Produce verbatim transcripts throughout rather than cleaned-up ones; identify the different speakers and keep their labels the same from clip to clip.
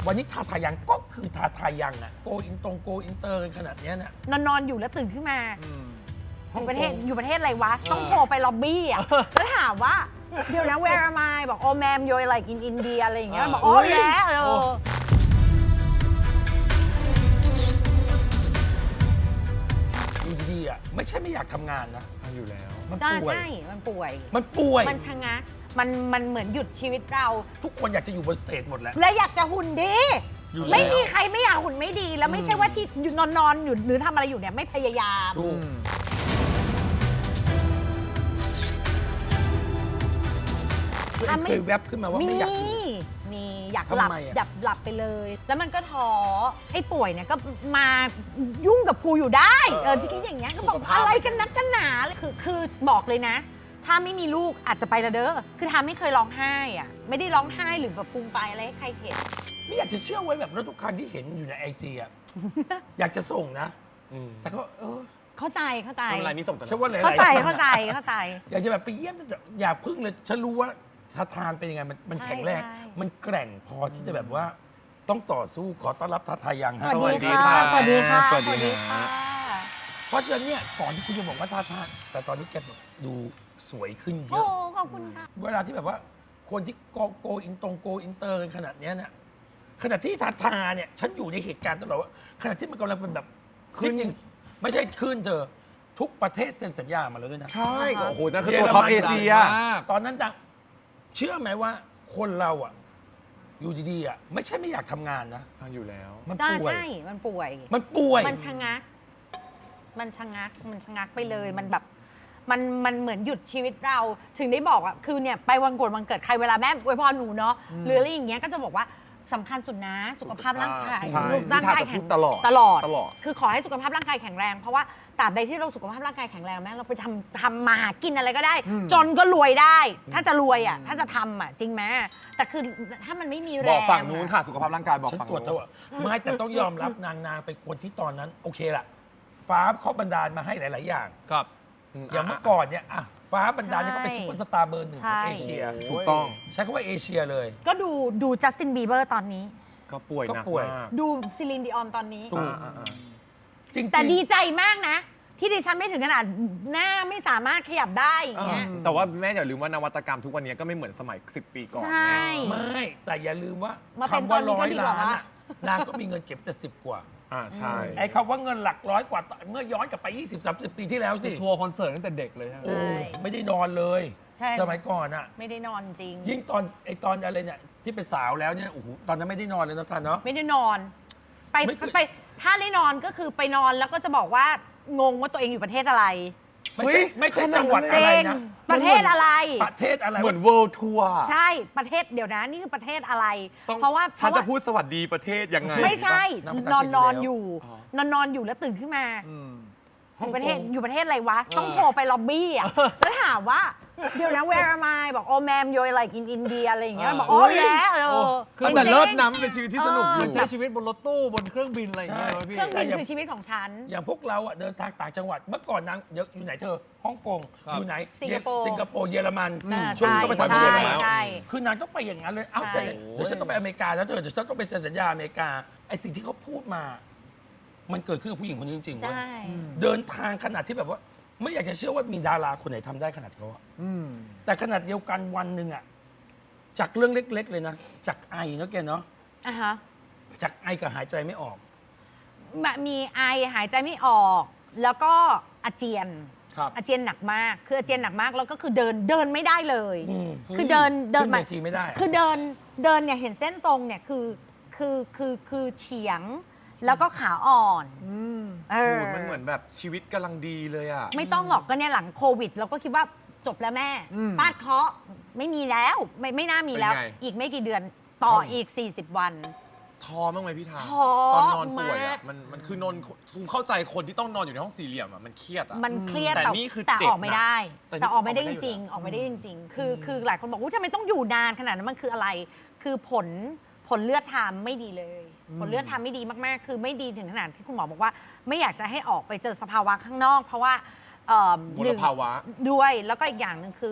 Speaker 1: วันนี้ทาทายังก็คือทาทายังอะโกอินตรงโกอินเตอร์กันขนาดเนี้ยน่ะ
Speaker 2: นอนนอนอยู่แล้วตื่นขึ้นมา
Speaker 1: ฮ่
Speaker 2: อ
Speaker 1: อง
Speaker 2: ยู่ประเทศ
Speaker 1: กง
Speaker 2: อยู่ประเทศอะไรวะ ต้องโทรไปล็อบบี้อ่ะแล้วถามว่า เดี๋ยวนะ where am I บอก oh ma'am you're like in India อะไรอย่างเงี้ยบอก oh yeah เออ
Speaker 1: อยู่ดีๆอะไม่ใช่ไม่อยากทำงานนะ
Speaker 3: ทำอยู่แล้ว
Speaker 1: มัน
Speaker 2: ใช่
Speaker 1: ป่วย
Speaker 2: ใช่ มันป่วย
Speaker 1: มันป่วย
Speaker 2: มันชะงักมันมันเหมือนหยุดชีวิตเรา
Speaker 1: ทุกคนอยากจะอยู่บนสเตจหมดแหละ
Speaker 2: และอยากจะหุ่นดี
Speaker 1: อยู่แล้ว
Speaker 2: ไม่มีใครไม่อยากหุ่นไม่ดี แล้วไม่ใช่ว่าที่นอนนอนอยู่หรือทำอะไรอยู่เนี่ยไม่พยายาม
Speaker 1: ถูกตัวเองเคยแวบขึ้นมาว่าไม่อยากอยู่
Speaker 2: มีอยากหลับ
Speaker 1: ทำไมอะ
Speaker 2: อยากหลับไปเลย แล้วมันก็ท้อไอ้ป่วยเนี่ยก็มายุ่งกับกูอยู่ได้เออที่คิดอย่างเงี้ยก็บอกอะไรกันนักกันหนาคือคือบอกเลยนะ ถ้าไม่มีลูกอาจจะไปละเด้อคือทำไม่เคยร้องไห้อ่ะไม่ได้ร้องไห้หรือแบบฟูมไฟอะไรให้ใครเห็น
Speaker 1: ไม่อยากจะเชื่อไว้แบบแล้วทุกครั้งที่เห็นอยู่ในไอจีอะ อยากจะส่งนะ แต่ก็เออ
Speaker 2: เข้าใจเข้าใจ
Speaker 3: ทำอะไรนี่ส่งกัน
Speaker 1: ฉันว่าหลายๆ
Speaker 2: เข้าใจ
Speaker 1: ครั้งอะ
Speaker 2: เข้าใจเข้าใจ
Speaker 1: อยากจะแบบไปเยี่ยมแต่อย่าพึ่งเลย ฉันรู้ว่าทาทานเป็นยังไง มันมัน
Speaker 2: ใช่
Speaker 1: แข็งแรง
Speaker 2: ใช่
Speaker 1: มันแกร่งพอที่จะแบบว่า ต้องต่อสู้ขอต้อนรับทาทายัง
Speaker 2: ส
Speaker 1: ฮะ
Speaker 2: วัสดีค่ะ สวัสดีค่ะ
Speaker 3: สวัสดีค่ะ
Speaker 1: เพราะฉะนั้นเนี่ยก่อนที่คุณจะบอกว่าทาทานแต่ตอนนี้แกแบบดูสวยขึ้นเย
Speaker 2: โอ้
Speaker 1: อะ
Speaker 2: ขอบคุณค่ะ
Speaker 1: เวลาที่แบบว่าคนที่โกโกอินตรงโกอินเตอร์กันขนาดเนี้ยเนี่ยขณะที่ทาทาเนี่ยฉันอยู่ในเหตุการณ์ตลอดว่าขณะที่มันกำลังเป็นแบบ
Speaker 3: ขึ้น
Speaker 1: จริงๆไม่ใช่ขึ้นเธอทุกประเทศเซ็นสัญญามาแล้วด้วยนะ
Speaker 3: ใช่โอ้โหนั่นคือ
Speaker 1: เยอ
Speaker 3: ตัว
Speaker 1: รมัน
Speaker 3: ท็อปเอเชีย
Speaker 1: ดังมาก ตอนนั้นดังเชื่อไหมว่าคนเราอ่ะ อยู่ดีๆอ่ะไม่ใช่ไม่อยากทำงานนะ
Speaker 3: ทำอยู่แล้ว
Speaker 1: มัน
Speaker 2: ใช่
Speaker 1: ป่วย
Speaker 2: ใช่ มันป่วย
Speaker 1: มันป่วย
Speaker 2: มันชะงัก มันชะงัก มันชะงักไปเลย มันแบบ มันมันเหมือนหยุดชีวิตเรา ถึงได้บอกอ่ะ คือเนี่ยไปวันโกนวันเกิดใครเวลาแม่อวยพรหนูเนาะ หรืออะไรอย่างเงี้ย ก็จะบอกว่าสำคัญสุดนะ สุขภาพร่างกาย
Speaker 3: ใช่
Speaker 2: ร่างกาย
Speaker 3: พี่ทาจะ
Speaker 2: แข็
Speaker 3: พู
Speaker 2: ง
Speaker 3: ดตลอด
Speaker 2: ตลอด
Speaker 3: ตลอด
Speaker 2: คือขอให้สุขภาพร่างกายแข็งแรง เพราะว่าตราบใดที่เราสุขภาพร่างกายแข็งแรงแม่เราไปทำทำมาหากินอะไรก็ได้ จนก็รวยได้ ถ้าจะรวยอ่ะ ถ้าจะทำอ่ะจริงไหมแต่คือถ้ามันไม่มีแรง
Speaker 3: บอกฝั่งนู้นค่ะสุขภาพร่างกายบอก
Speaker 1: ฉัน
Speaker 3: ฝั่ง
Speaker 1: ตรวจ
Speaker 3: นู้
Speaker 1: เท่าน ไหร่ไม่แต่ต้องยอมรับนางนางเป็นคนที่ตอนนั้น โอเคละฟ้าเขาบันดาลมาให้หลาย ๆ อย่าง
Speaker 3: ครับ
Speaker 1: อย่างเมื่อก่อนเนี่ยอ่ะฟ้าบันดาลเนี่ยเขาเป็นซุปเปอร์สตาร์เบอร์หนึ่งของ
Speaker 2: ใช่
Speaker 1: เอเชีย
Speaker 3: ถูกต้อง
Speaker 1: ใช้คำว่าเอเชียเลย
Speaker 2: ก็ดูดูจัสตินบีเบอร์ตอนนี้
Speaker 3: ก็ป่วยหนัก
Speaker 1: ก็ป่วย
Speaker 3: มาก
Speaker 2: ดูซิลินดิออนตอนนี้
Speaker 1: ถูก
Speaker 3: อ่าอ่า
Speaker 1: จริงๆ
Speaker 2: แต่ดีใจมากนะ ที่ดิฉันไม่ถึงขนาดหน้าไม่สามารถขยับได้อย่างเงี้ย
Speaker 1: อ่า
Speaker 3: แต่ว่าแม่อย่าลืมว่านวัตกรรมทุกวันนี้ก็ไม่เหมือนสมัยสิบปีก่อน
Speaker 2: ใช่
Speaker 3: แม่
Speaker 1: ไม่แต่อย่าลืมว่า
Speaker 2: มาเป็น
Speaker 1: คำว่า
Speaker 2: ตอนนี้
Speaker 1: ร้
Speaker 2: ก็
Speaker 1: อย
Speaker 2: ดีกว่า
Speaker 1: ล้าน
Speaker 2: วะ
Speaker 1: อะนางก็มีเงินเก็บแต่สิบกว่า
Speaker 3: อ่าใช่
Speaker 1: ไอ้คำว่าเงินหลักร้อยกว่าเมื่อย้อนกลับไป ยี่สิบ สามสิบ ปีที่แล้วสิ
Speaker 4: ทัวร์คอนเสิร์ตตั้งแต่เด็กเลยใช่ไหม
Speaker 1: โอ้ไม่ได้นอนเลย
Speaker 2: ใช่
Speaker 1: สมัยก่อนอะ
Speaker 2: ไม่ได้นอนจริง
Speaker 1: ยิ่งตอนไอ้ตอนอะไรเนี่ยที่เป็นสาวแล้วเนี่ยโอ้โหตอนนั้นไม่ได้นอนเลยนะท่านเนาะ
Speaker 2: ไม่ได้นอน ไป
Speaker 1: ไม่เคย
Speaker 2: ไปถ้าได้นอนก็คือไปนอนแล้วก็จะบอกว่างงว่าตัวเองอยู่ประเทศอะไร
Speaker 1: ไม่ใช่ไม่ใช่จังหวัด
Speaker 2: จ
Speaker 1: อะไร
Speaker 2: ริง
Speaker 1: นะ
Speaker 2: ประเทศอะไร
Speaker 1: ประเทศอะไร
Speaker 3: เหมือน world tour
Speaker 2: ใช่ประเทศเดี๋ยวนะนี่คือประเทศอะไร
Speaker 3: ต้อง
Speaker 2: เพราะว่า
Speaker 3: ฉัน
Speaker 2: เพรา
Speaker 3: จะ
Speaker 2: ว่า
Speaker 3: พูดสวัสดีประเทศยังไง
Speaker 2: ไม่ใช่
Speaker 1: นับภาษาน
Speaker 2: อน
Speaker 1: อังกฤษ
Speaker 2: นอน
Speaker 1: แล้ว
Speaker 2: อยู่
Speaker 3: อ๋อ
Speaker 2: นอนนอนอยู่แล้วตื่นขึ้นมา
Speaker 1: ฮ่
Speaker 2: อ
Speaker 1: อง
Speaker 2: ยู่ประเทศ
Speaker 1: กง
Speaker 2: อยู่ประเทศอะไรวะ ต้องโทรไปล็อบบี้อ่ะแล้วถามว่า เดี๋ยวนะ where am I บอก oh ma'am you're like in India อะไรอย่างเงี้ยบอก oh yeah เออ
Speaker 4: คือ
Speaker 3: แต่
Speaker 2: จริงๆ
Speaker 3: เลิศนะมันเป็นชีวิตที่สนุกอ
Speaker 4: มั
Speaker 3: ยู่
Speaker 4: นใช้ชีวิตบนรถตู้บนเครื่องบินอะไรอย่างเงี้ย
Speaker 1: ใช่
Speaker 4: วะพี่
Speaker 2: เครื่องบินคือชีวิตของฉัน
Speaker 1: อย่างพวกเราอะเดินทางต่างจังหวัดเมื่อก่อนนางเดี๋ยวอยู่ไหนเธอฮ่องกง
Speaker 4: ครับ
Speaker 1: อยู่ไหน
Speaker 2: สิงคโปร์
Speaker 1: สิงคโปร์เยอรมัน
Speaker 2: อ่า
Speaker 1: ช่วงนี้
Speaker 2: ใช่
Speaker 1: ก็ไปทำที่เยอรมัน
Speaker 2: ใช่
Speaker 1: คือนางต้องไปอย่างนั้นเลยเอ้า
Speaker 2: ใช่
Speaker 1: เดี๋ยวฉันต้องไปอเมริกาแล้วเธอเดี๋ยวฉันต้องไปเซ็นสัญญาอเมริกาไอ้สิ่งที่เขาพูดมา มันเกิดขึ้นกับผู้หญิงคนนี้จริงๆเว้ย
Speaker 2: ใช่
Speaker 1: เดินทางขนาดที่แบบว่า ไม่อยากจะเชื่อว่ามีดาราคนไหนทำได้ขนาดเขาอะแต่ขนาดเดียวกันวันหนึ่งอะจากเรื่องเล็ก ๆ เลยนะจากไอเนาะแกเนาะ
Speaker 2: อ่ะฮะ
Speaker 1: จากไอกับหายใจไม่ออก
Speaker 2: มีไอหายใจไม่ออก แล้วก็อาเจียน
Speaker 3: ครับ
Speaker 2: อาเจียนหนักมาก คืออาเจียนหนักมากแล้วก็คือเดินเดินไม่ได้เลย
Speaker 1: อืม
Speaker 2: คือเดินเดิน
Speaker 1: ขึ้นเวทีไม่ได้อะ
Speaker 2: คือเดินเดินเนี่ยเห็นเส้นตรงเนี่ยคือคือคือคือเฉียง แล้วก็ขาอ่อนเออ
Speaker 5: โอ้ยมันเหมือนแบบชีวิตกำลังดีเลยอ่ะ
Speaker 2: ไม่ต้องหรอกก็เนี่ยหลังโควิด เราก็คิดว่าจบแล้วแม่ฟาดเคราะห์ไม่มีแล้วไม่ไม่น่ามีแล้ว
Speaker 5: เป็นไง
Speaker 2: อีกไม่กี่เดือนต่ออีก สี่สิบ วัน
Speaker 5: ท้อบ้างไหมพี่ทา
Speaker 2: ท้อ
Speaker 5: ตอนนอนป่วย
Speaker 2: มา
Speaker 5: อ่ะ
Speaker 2: ก
Speaker 5: มันมันคือนอนคุณเข้าใจคนที่ต้องนอนอยู่ในห้องสี่เหลี่ยมอ่ะมันเครียดอ่ะ
Speaker 2: มันเครียด
Speaker 5: แต่นี่คือ
Speaker 2: แต่
Speaker 5: เจ็บ
Speaker 2: ออกไม่ได้
Speaker 5: แต่นี่
Speaker 2: แต่ออกไม่ได้
Speaker 5: ออก
Speaker 2: จ
Speaker 5: ไม่ได้
Speaker 2: ริง
Speaker 5: อยู่แล้ว
Speaker 2: ๆออกไม่ได้จริง ๆ คือคือหลายคนบอกว่าทำไมต้องอยู่นานขนาดนั้นมันคืออะไร คือผลผลเลือดทามไม่ดีเลย ผลเลือดทามไม่ดีมากๆ คือไม่ดีถึงขนาดที่คุณหมอบอกว่า ไม่อยากจะให้ออกไปเจอสภาวะข้างนอก เพราะว่าเอ่อ
Speaker 5: มลภาวะ
Speaker 2: ด้วยแล้วก็อีกอย่างหนึ่งคือ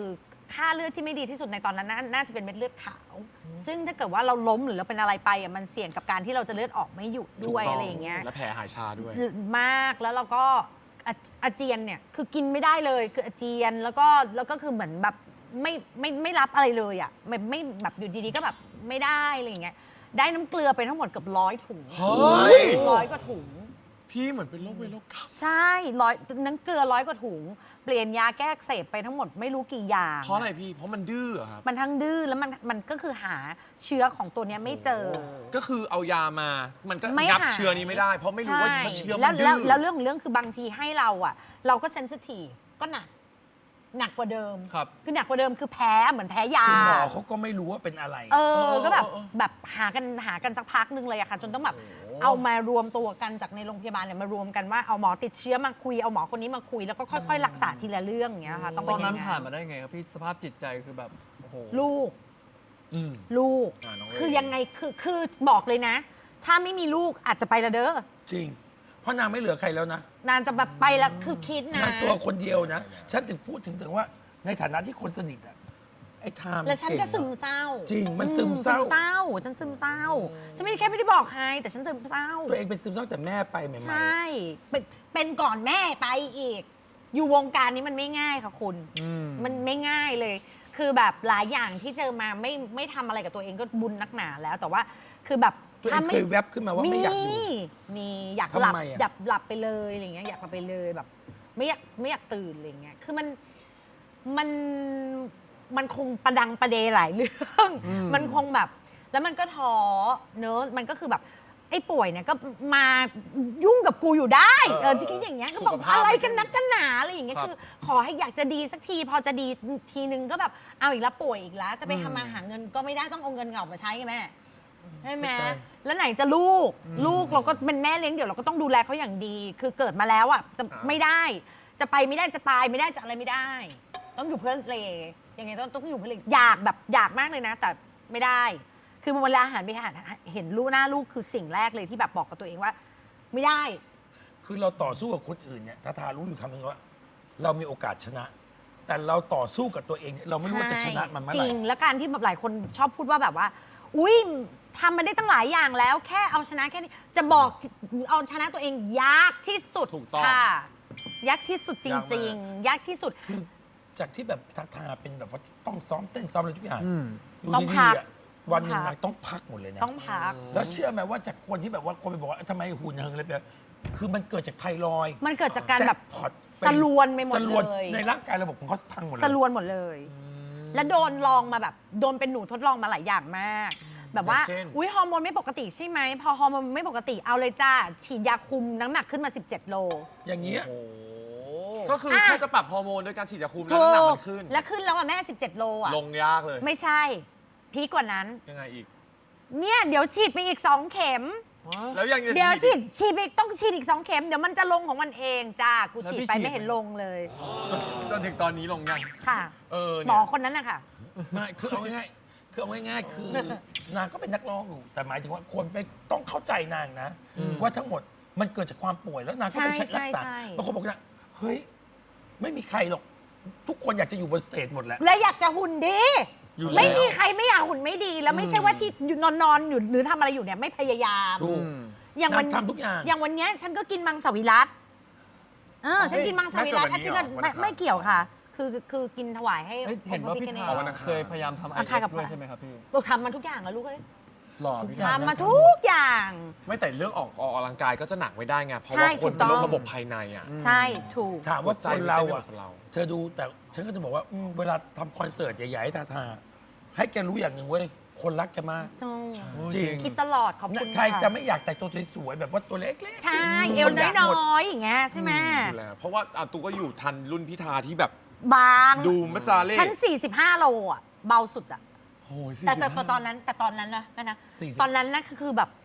Speaker 2: ค่าเลือดที่ไม่ดีที่สุดในตอนนั้นน่าน่าจะเป็นเม็ดเลือดขาว ซึ่งถ้าเกิดว่าเราล้มหรือเราเป็นอะไรไปอ่ะมันเสี่ยงกับการที่เราจะเลือดออกไม่หยุดด้วย
Speaker 5: ถูกต้
Speaker 2: อะไรอย่างเงี้ย
Speaker 5: และแผลหายชาด้วย
Speaker 2: มากแล้วเราก็อาอาเจียนเนี่ยคือกินไม่ได้เลยคืออาเจียนแล้วก็แล้วก็คือเหมือนแบบไม่ไม่ไม่รับอะไรเลยอ่ะไม่ไม่แบบอยู่ดีๆก็แบบไม่ได้อะไรอย่างเงี้ยได้น้ำเกลือไปทั้งหมดเกือบร้อยถุง
Speaker 5: เฮ้ย
Speaker 2: ร้อยกว่าถุง
Speaker 5: พี่เหมือนเป็นโรคเวรโรคกรรม
Speaker 2: ใช่ร้อยน้ำเกลือร้อยกว่าถุง เปลี่ยนยาแก้อักเสบไปทั้งหมดไม่รู้กี่อย่าง
Speaker 5: เพราะอะไรพี่ เพราะมันดื้อเหรอครับ
Speaker 2: มันทั้งดื้อแล้วมันมันก็คือหาเชื้อของตัวเนี้ยไม่เจอ
Speaker 5: ก็คือเอายามา มันก็
Speaker 2: ไม่
Speaker 5: งับ
Speaker 2: หาย
Speaker 5: เชื้อนี้ไม่ได้ เพราะไม่รู้ว่า
Speaker 2: ใช่
Speaker 5: ถ้าเชื้อ
Speaker 2: แล้
Speaker 5: มั
Speaker 2: วน
Speaker 5: ดื้
Speaker 2: แล้ว
Speaker 5: อ
Speaker 2: แล้วเรื่องของเรื่องคือบางทีให้เราอ่ะ เราก็เซนซิทีฟก็หนัก หนักกว่าเดิม
Speaker 4: ครับ
Speaker 2: คือหนักกว่าเดิมคือแพ้เหมือนแพ้ยา
Speaker 1: คุณหมอเขาก็ไม่รู้ว่าเป็นอะไร
Speaker 2: เอ
Speaker 5: เอ
Speaker 2: อ
Speaker 5: อ
Speaker 2: ก็แบบ
Speaker 5: เออเออ
Speaker 2: แบบหากันหากันสักพักหนึงเลยอะค่ะ จนต้องแบบเอามารวมตัวกันจากในโรงพยาบาลเนี่ยมารวมกันว่าเอาหมอติดเชื้อมาคุยเอาหมอคนนี้มาคุย แล้วก็ค่อยๆ รักษาทีละเรื่องอย่างเงี้ยค่ะต้อง
Speaker 4: ต
Speaker 2: เป็
Speaker 4: อน น
Speaker 2: อ
Speaker 4: นั้
Speaker 2: ย่าน ง
Speaker 4: ผ่าน
Speaker 2: นั้น
Speaker 4: มาได้ไงครับพี่สภาพจิตใจคือแบบโอ้โห
Speaker 2: ลูก
Speaker 5: อืม
Speaker 2: ลูก
Speaker 5: อ่าน้องเอ๋
Speaker 2: คือยังไงคือคือบอกเลยนะ ถ้าไม่มีลูกอาจจะไปละเด้อ
Speaker 1: จริง เพราะนางไม่เหลือใครแล้วนะ
Speaker 2: นานจะแบบไปละคือคิดนะ
Speaker 1: นางตัวคนเดียวนะ ฉันถึงพูดถึงถึงว่าในฐานะที่คนสนิทอะไอ้ไทม์
Speaker 2: แล้วฉันก็
Speaker 1: เง
Speaker 2: ซึ
Speaker 1: อะ
Speaker 2: มเศร้า
Speaker 1: จริงมันซึม
Speaker 2: อื
Speaker 1: เศร้า
Speaker 2: ซึมเศร้า ฉันซึมเศร้า ฉันไม่ได้แค่ไม่ได้บอกใครแต่ฉันซึมเศร้า
Speaker 1: ตัวเองเป็นซึมเศร้าแต่แม่ไปใหม่
Speaker 2: ใช่ เป็นเป็นก่อนแม่ไปอีก อยู่วงการนี้มันไม่ง่ายค่ะคุณ มันไม่ง่ายเลย คือแบบหลายอย่างที่เจอมาไม่ไม่ทำอะไรกับตัวเองก็บุญนักหนาแล้ว แต่ว่าคือแบบ
Speaker 1: ๆตัวเองเคยแวบขึ้นมาว่าไม่อยากอยู่
Speaker 2: มีอยากหลับ
Speaker 1: ทำไมอะ
Speaker 2: อยากหลับไปเลยอะไรเงี้ยอยากหลับไปเลยแบบ ไม่อยากไม่อยากตื่นอะไรเงี้ยคือมันมันมันคงประดังประเดหลายเรื่อง มันคงแบบ แล้วมันก็ท้อเนอะมันก็คือแบบไอ้ป่วยเนี่ยก็มายุ่งกับกูอยู่ได้
Speaker 5: เออ
Speaker 2: เออจะคิดอย่างเงี้ยก็บอก
Speaker 5: สุขภาพ
Speaker 2: อะไรกันนักกันหนาอะไรอย่างเงี้ย
Speaker 4: ครับ
Speaker 2: คือ ขอให้อยากจะดีสักที พอจะดีทีนึงก็แบบเอาอีกแล้วป่วยอีกแล้ว จะไปทำมาหาเงินก็ไม่ได้ต้องเอาเงินเก่ามาใช้ไงแม่ใช่ไหม
Speaker 1: ใช่
Speaker 2: แล้วไหนจะลูก ลูกเราก็เป็นแม่เลี้ยงเดี่ยวเราก็ต้องดูแลเขาอย่างดี คือเกิดมาแล้วอ่ะจะ
Speaker 5: อ่า
Speaker 2: ไม่ได้ จะไปไม่ได้จะตายไม่ได้จะอะไรไม่ได้ ต้องอยู่เพื่อเลยังไงต้องต้องอยู่เพื่อเลอยากแบบอยากมากเลยนะ แต่ไม่ได้ คือเวลาหันไปหาเห็นลูกหน้าลูกคือสิ่งแรกเลยที่แบบบอกกับตัวเองว่า ไม่ได้
Speaker 1: คือเราต่อสู้กับคนอื่นเนี่ยทาทารู้อยู่คำหนึงว่า เรามีโอกาสชนะ แต่เราต่อสู้กับตัวเองเนี่ยเราไม่รู้ว่าจะชนะมันเมื่อ
Speaker 2: จ
Speaker 1: ไหร่
Speaker 2: ริง แล้วการที่แบบหลายคนชอบพูดว่าแบบว่า อุ้ยทำมาได้ตั้งหลายอย่างแล้ว แค่เอาชนะแค่นี้ จะบอกเอาชนะตัวเองยากที่สุด
Speaker 5: ถูกต้อง
Speaker 2: ค่ะ ยากที่สุดจ
Speaker 5: ยากมาก
Speaker 2: ริง ๆ ยากที่สุด
Speaker 1: คือจากที่แบบทาทาเป็นแบบว่าต้องซ้อมเต้นซ้อมอะไรทุกอย่าง
Speaker 4: อืม
Speaker 1: อยู่
Speaker 2: ต้อง
Speaker 1: ดี
Speaker 2: พัก
Speaker 1: ๆอะวันหนึ่ง
Speaker 2: ต้องพัก
Speaker 1: นางต้องพักหมดเลยนะ
Speaker 2: ต้องพัก
Speaker 1: แล้วเชื่อไหมว่าจากคนที่แบบว่าคนไปบอกว่าทำไมหุ่นเหิงอะไรแบบคือมันเกิดจากไทรอยด์
Speaker 2: มันเกิดจากการแบบ
Speaker 1: จ็คพอต
Speaker 2: สลวนไปหมด
Speaker 1: สลวน
Speaker 2: เลย
Speaker 1: ในร่างกายระบบของเขาพังหมดเลย
Speaker 2: สลวนหมดเลย แล้วโดนลองมาแบบโดนเป็นหนูทดลองมาหลายอย่างมาก แบบว่า
Speaker 5: อย่างเช่น
Speaker 2: อุ้ยฮอร์โมนไม่ปกติใช่ไหมพอฮอร์โมนไม่ปกติเอาเลยจ้าฉีดยาคุมน้ำหนักขึ้นมาสิบเจ็ดโล
Speaker 1: อย่างเงี้ย
Speaker 4: โอ้
Speaker 5: ก็คือ
Speaker 2: อ่ะ
Speaker 5: แค่จะปรับฮอร์โมนด้วยการฉีดยาคุมแล้วน้ำหนักมันขึ้น
Speaker 2: แล้วขึ้นแล้วอ่ะแม่สิบเจ็ดโลอ่ะ
Speaker 5: ลงยากเลย
Speaker 2: ไม่ใช่พีกกว่านั้น
Speaker 5: ยังไงอีก
Speaker 2: เนี่ยเดี๋ยวฉีดไปอีกสองเข็ม
Speaker 5: แล้วยังจะ
Speaker 2: เดี๋ยวฉี
Speaker 5: ฉี
Speaker 2: ด
Speaker 5: ด
Speaker 2: ฉีดไปอีกต้องฉีดอีกสองเข็มเดี๋ยวมันจะลงของมันเองจ้ากูฉีดไปไม่เห็นลงเลย
Speaker 5: จนถึงตอนนี้ลงยัง
Speaker 2: ค่ะ
Speaker 5: เออ
Speaker 2: หม
Speaker 5: เนี่
Speaker 2: อย คนนั้นนะคะ
Speaker 1: ไม่คือเอาง่ายๆคือเอาง่ายๆคือนางก็เป็นนักร้องอยู่แต่หมายถึงว่าคนไปต้องเข้าใจนางนะ ว่าทั้งหมดมันเกิดจากความป่วยแล้วนางก็ไป
Speaker 2: ใช่
Speaker 1: ใช้รักษา
Speaker 2: ใช่
Speaker 1: บางคนบอกนะเฮ้ยไม่มีใครหรอก ทุกคนอยากจะอยู่บนสเตจหมดแหละ
Speaker 2: และอยากจะหุ่นดี
Speaker 5: อยู่แล้ว
Speaker 2: ไม่มีใครไม่อยากหุ่นไม่ดี แล้วไม่ใช่ว่าที่นอนนอนๆอยู่หรือทำอะไรอยู่เนี่ยไม่พยายาม
Speaker 1: ถูก
Speaker 2: อย่างวัน
Speaker 1: นางทำทุกอย่าง
Speaker 2: อย่างวันเนี้ยฉันก็กินมังสวิรัตเออฉันกินมังสวิรัต
Speaker 5: ไม่
Speaker 2: อาทิตย์ละ
Speaker 5: แต่วันนี้เหรอ
Speaker 2: ไม่
Speaker 5: วันอังคาร
Speaker 2: ไม่เกี่ยวค่ะ คือคือกินถวายให้
Speaker 4: เอ้ยเห็นว่าพี่
Speaker 2: องค์พระ
Speaker 4: ทา
Speaker 2: พิฆเนศ
Speaker 5: วันอังคาร
Speaker 4: เคยพยายามทำไอ
Speaker 2: อ่ะ
Speaker 4: เอ
Speaker 2: ทายกับ
Speaker 4: ด้วยใช่ไหมครับพี่
Speaker 2: เราทำมาทุกอย่างแล้วลูกเอ้ย
Speaker 5: หล่อพี่
Speaker 1: ทุกอย่าง
Speaker 5: ทำ
Speaker 2: ทำมาทุกอย่าง
Speaker 5: ไม่แต่เรื่องออกออกกำลังกายก็จะหนักไม่ได้ไง เพราะ
Speaker 2: ใช่
Speaker 5: ว่าคน
Speaker 2: ถูกต้
Speaker 5: เป็น
Speaker 2: อง
Speaker 5: โรคระบบภายในอ่ะ
Speaker 2: ใช่ถูก
Speaker 1: ถามว่า
Speaker 5: หัวใจ
Speaker 1: คนเรา
Speaker 5: มันเต้นไม่เหมื
Speaker 1: อ่ะ
Speaker 5: อนคนเรา
Speaker 1: เธอดูแต่ฉันก็จะบอกว่าอืมเวลาทำคอนเสิร์ตใหญ่ๆให้ทาทาให้แกรู้อย่างหนึ่งเว้ยคนรักแกมาก
Speaker 2: จง
Speaker 1: จริง
Speaker 2: คิดตลอดขอบคุณ
Speaker 1: ใคร
Speaker 2: ค่ะ
Speaker 1: จะไม่อยากแต่งตัวสวยๆแบบว่าตัวเล็กๆ
Speaker 2: ใช่
Speaker 1: ทุก
Speaker 2: เอ
Speaker 1: คว
Speaker 2: น้
Speaker 1: ยากหมด
Speaker 2: อยๆอย่างเงี้ยใช่ไหม
Speaker 5: อยู่แล้วเพราะว่าอ่ะตูก็อยู่ทันรุ่นพิธาที่แบบ
Speaker 2: บาง
Speaker 5: ดูมัจจาเล่
Speaker 2: ฉัน45โลอ่ะเบาสุดอ่ะ
Speaker 5: โอ้ย
Speaker 2: แต่แต่
Speaker 5: สี่สิบห้า
Speaker 2: ตอนนั้นแต่ตอนนั้นนะนะนะ
Speaker 1: สี่สิบ
Speaker 2: ตอนนั้นนะคือคือแบบท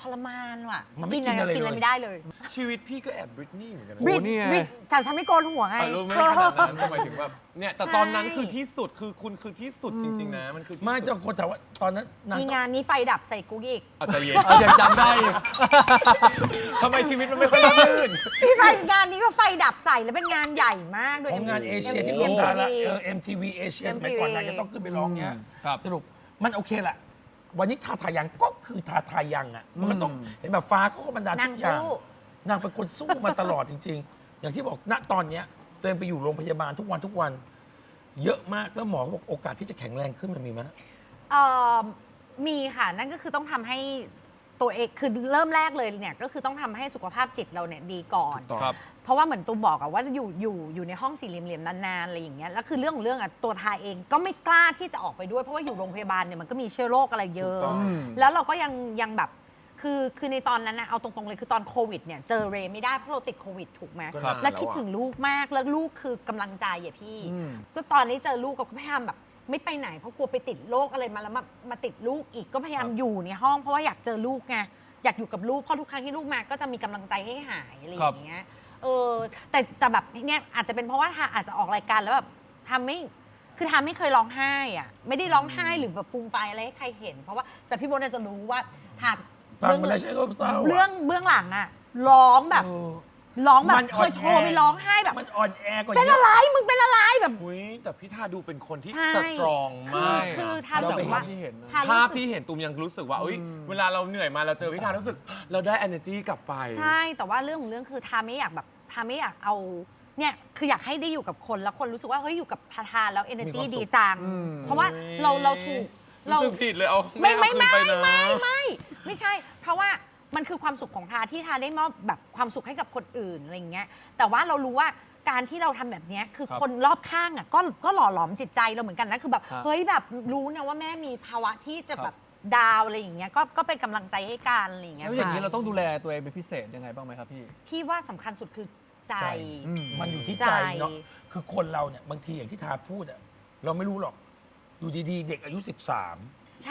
Speaker 2: รมานว่ะ
Speaker 1: มันไม่กินอะไร
Speaker 2: กินอะไร
Speaker 1: เลย
Speaker 2: ไม่ได้เลย
Speaker 5: ชีวิตพี่ก็แอบบริตนี่เหมือนกันนะ
Speaker 2: บริ
Speaker 4: โอ้นี่ไง
Speaker 2: บริแต่ฉันไม่โกนหัวไง
Speaker 5: อ่ะรู้ไหมขนาดนั้นหมายถึงแบบเนี่ยแต่ตอนนั้นคือที่สุดคือคุณคือที่สุดจริง ๆ นะ มันคือที่
Speaker 1: ไม่
Speaker 5: สุ
Speaker 1: เจ้า
Speaker 5: ด
Speaker 1: คนถามว่าตอนนั้นนาง
Speaker 2: มีงานนี้ไฟดับใส่กูอีก
Speaker 5: อาจจะเย็น
Speaker 4: เอายังจำได้อีก
Speaker 5: ทำไมชีวิตมันไม่ค่อยราบรื่น
Speaker 2: พี่ไฟงานนี้ก็ไฟดับใส่แล้วเป็นงานใหญ่มากด้วย
Speaker 1: ของงานเอเชียที่
Speaker 2: เอ็
Speaker 1: รว
Speaker 2: ม
Speaker 1: ม
Speaker 2: ที
Speaker 1: ดารา
Speaker 2: วี
Speaker 1: เออ เอ็ม ที วี เอเชียสมัยก่อนนางจะต้องขึ้นไปร้องเนี้ย
Speaker 4: ครับ
Speaker 1: สรุปมันโอเคแหละวันนี้ทาทายังก็คือทาทายังอ่ะมันก็ต้องเห็นแบบฟ้าเขาก็บรรดาล
Speaker 2: นา
Speaker 1: ทุ
Speaker 2: ง
Speaker 1: กอย่าง
Speaker 2: สู้
Speaker 1: นางเป็นคนสู้มาตลอดจริง ๆ อย่างที่บอกณตอนเนี้ยตัวเองไปอยู่โรงพยาบาลทุกวันทุกวัน เยอะมากแล้วหมอเขาบอกโอกาสที่จะแข็งแรงขึ้นมันมีไหม
Speaker 2: เอ่อมีค่ะนั่นก็คือต้องทำให้ตัวเองคือเริ่มแรกเลยเนี่ยก็คือต้องทำให้สุขภาพจิตเราเนี่ยดีก่อน
Speaker 5: ถูกต้อง
Speaker 4: ครับ
Speaker 2: เพราะว่าเหมือนตูมบอกอะว่าอยู่อยู่อยู่ในห้องสี่เหลี่ยมๆนานๆอะไรอย่างเงี้ยแล้วคือเรื่องของเรื่องอะตัวทาเองก็ไม่กล้าที่จะออกไปด้วยเพราะว่าอยู่โรงพยาบาลเนี่ยมันก็มีเชื้อโรคอะไรเยอะ
Speaker 5: ถูกต้อง
Speaker 2: แล้วเราก็ยังยังแบบคือคือในตอนนั้นนะเอาตรงๆเลยคือตอนโควิดเนี่ยเจอเรย์ไม่ได้เพราะเราติดโควิดถูกไหม
Speaker 5: ก็นาน
Speaker 2: แล้วคิด
Speaker 5: อะ
Speaker 2: ถึงลูกมากแล้วลูกคือกำลังใจอ่ะพี่
Speaker 4: อืม
Speaker 2: ก็ตอนนี้เจอลูกก็พยายามแบบ ไม่ไปไหนเพราะกลัวไปติดโรคอะไรมาแล้วมามาติดลูกอีกก็พยายามอยู่ในห้องเพราะว่าอยากเจอลูกไงอยากอยู่กับลูกเพราะทุกครั้งที่ลูกมาก็จะมีกำลังใจให้หายอะไรอย่างเงี้ยเออแต่แต่แบบเนี้ยอาจจะเป็นเพราะว่าทาอาจจะออกรายการแล้วแบบทำไม่คือทาไม่เคยร้องไห้อะไม่ได้ร้องไห้หรือแบบฟูมไฟายอะไรให้ใครเห็น เพราะว่าแต่พี่โบน่าจะรู้ว่าทา
Speaker 1: ฟังมาแล้วใช่ก็เศร้าะ
Speaker 2: เรื่องเบื้องหลังอะร้องแบบ
Speaker 1: เออ
Speaker 2: ร้องแบบ
Speaker 1: มัน
Speaker 2: เค
Speaker 1: อ่อน
Speaker 2: ย
Speaker 1: แอ
Speaker 2: โทรไปร้องไห้แบบ
Speaker 1: มันอ่อนแอกว่า
Speaker 2: เป็น
Speaker 1: เย
Speaker 2: อะไร
Speaker 1: อะ
Speaker 2: มึงเป็นอะไรแบบ
Speaker 5: อุ้ยแต่พี่ทาดูเป็นคนที่
Speaker 2: ใช่
Speaker 5: สตรอง
Speaker 2: คือ
Speaker 5: มาก
Speaker 2: คือ
Speaker 5: นะ
Speaker 2: ทา
Speaker 1: เรา
Speaker 2: รู้สึกว่า
Speaker 4: ที่เห็นนะ
Speaker 2: ทา
Speaker 5: ภา
Speaker 2: รู้
Speaker 5: พ
Speaker 2: สึก
Speaker 5: ที่เห็นตูมยังรู้สึกว่าอุ้ยเวลาเราเหนื่อยมาเราเจอพี่ทารู้สึก เราได้ energy กลับไป
Speaker 2: ใช่แต่ว่าเรื่องของเรื่องคือทาไม่อยากแบบทาไม่อยากเอาเนี่ยคืออยากให้ได้อยู่กับคนแล้วคนรู้สึกว่าเฮ้ยอยู่กับทาทาแล้ว energy ดีจัง เพราะว่าเราเราถูกเรา
Speaker 5: รู้สึกผิดเลยเอา
Speaker 2: ไม่ไม่
Speaker 5: เอาคืน
Speaker 2: ไม่
Speaker 5: ไปนะ
Speaker 2: ไม่ไม่ไม่ใช่ เพราะว่ามันคือความสุขของทาที่ทาได้มอบแบบความสุขให้กับคนอื่นอะไรอย่างเงี้ยแต่ว่าเรารู้ว่าการที่เราทำแบบเนี้ยคือ
Speaker 4: ครับ
Speaker 2: คนรอบข้างอ่ะก็ก็หล่อหลอมจิตใจเราเหมือนกันนะคือแบบ
Speaker 4: ครับ
Speaker 2: เฮ้ยแบบรู้นะว่าแม่มีภาวะที่จะแบบดาวอะไรอย่างเงี้ยก็ก็เป็นกำลังใจให้กันอะไรอย่างเงี้ย
Speaker 4: แล้วอย่างนี้
Speaker 2: ค่ะ
Speaker 4: เราต้องดูแลตัวเองเป็นพิเศษยังไงบ้างไหมครับพี่
Speaker 2: พี่ว่าสำคัญสุดคือใจ
Speaker 1: ใจ
Speaker 4: อืม
Speaker 1: มันอยู่ที่
Speaker 2: ใจ
Speaker 1: ใจเนาะคือคนเราเนี่ยบางทีอย่างที่ทาพูดอะเราไม่รู้หรอกอยู่ดีๆ เด็กอายุ สิบสาม
Speaker 2: ใช่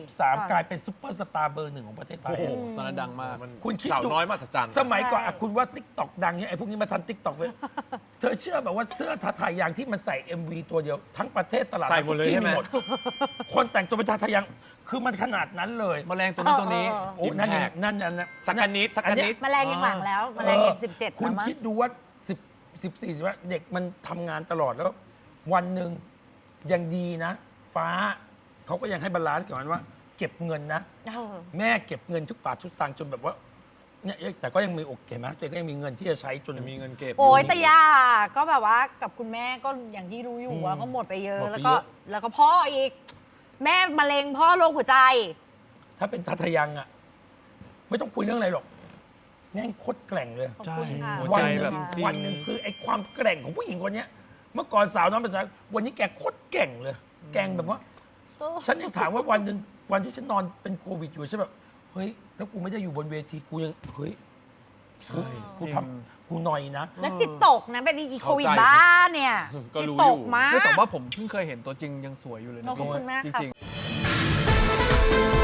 Speaker 1: 13 กลายเป็นซุปเปอร์สตาร์เบอร์หนึ่งของประเทศไท
Speaker 4: โอ้
Speaker 1: ย
Speaker 4: โหตอนนั้นดังมาก
Speaker 5: มัน
Speaker 1: คุณคิด
Speaker 5: สาว
Speaker 1: ดู
Speaker 5: น้อยมาสัจจัน
Speaker 1: สมัยก่อนอะคุณว่าติ๊กต็อกดังเนี่ยไอ้พวกนี้มาทันติ๊กต็อกเลย เธอเชื่อแบบว่าเสื้อทาทายังที่มันใส่ เอ็ม วี ตัวเดียว ทั้งประเทศตลาด
Speaker 5: ใส่หมดเลย
Speaker 1: ที่
Speaker 5: ใช่ไหม
Speaker 1: คนแต่งตัวเป็นทาทายังคือมันขนาดนั้นเลย
Speaker 4: แมลงตัวนั้นตัวนี้
Speaker 2: เออเออ
Speaker 1: โอ้นั่นยัง
Speaker 5: Impact
Speaker 1: นั่นนั่นนะ
Speaker 5: สักกะนิดสักกะนิด
Speaker 2: แมลงยังหลังแล้วแมลงยังสิบเจ็ด
Speaker 1: คุณ
Speaker 2: แล้วมั้ง
Speaker 1: คิดดูว่าสิบสิบสี่ว่าเด็กมันทำงานตลอดแล้ว วันหนึ่งยังดีนะ ฟ้าเขาก็ยังให้บาลานซ์กับมันว่า เก็บเงินนะ
Speaker 2: เออ
Speaker 1: แม่เก็บเงินทุกบาททุกสตางค์จนแบบว่าเนี่ยแต่ก็ยังมีโอเคไหมตัวเองก็ยังมีเงินที่จะใช้จน
Speaker 5: มีเงินเก็บ
Speaker 2: โอ้ย
Speaker 5: ยู่
Speaker 2: แต่ยาก็แบบว่ากับคุณแม่ก็อย่างที่รู้อยู่ว่า
Speaker 1: อืม
Speaker 2: ก็หมดไปเยอะ
Speaker 1: หมดไป
Speaker 2: แล้วก็
Speaker 1: เยอะ
Speaker 2: แล้วก็พ่ออีก แม่มะเร็งพ่อโรคหัวใจ
Speaker 1: ถ้าเป็นทัทยังอ่ะ ไม่ต้องคุยเรื่องอะไรหรอกแม่งโคตรแกร่งเลย
Speaker 2: ขอบคุณค่ะ
Speaker 4: หัว
Speaker 1: วั
Speaker 4: ใจ
Speaker 1: นห
Speaker 4: แบ
Speaker 1: นึ่
Speaker 4: บ
Speaker 1: ง
Speaker 5: จริง
Speaker 1: วันหนึ่งคือไอ้ความแกร่งของผู้หญิงคนเนี้ย เมื่อก่อนสาวน้อยภาษาวันนี้แกโคตรแกร่งเลย แกร่งแบบว่า ฉันยังถามว่าวันหนึ่งวันที่ฉันนอนเป็นโควิดอยู่ใช่แบบเฮ้ยแล้วกูไม่ได้อยู่บนเวทีกูยังเฮ้ย
Speaker 5: ใช่
Speaker 1: กูทำกูหน่อยนะ
Speaker 2: แล้วจิตตกนะเป็นอีโควิด
Speaker 5: เข้าใจ
Speaker 2: บ้าเนี่ย
Speaker 5: ก็
Speaker 2: จิต
Speaker 5: รู้
Speaker 2: ต
Speaker 5: อยู่
Speaker 2: กมาก
Speaker 4: เฮ้ยแต่ว่าผมเพิ่งเคยเห็นตัวจริงยังสวยอยู่เลยนะ
Speaker 2: ขอบคุณมาก
Speaker 4: จ
Speaker 2: ค่ะ
Speaker 4: ริงๆ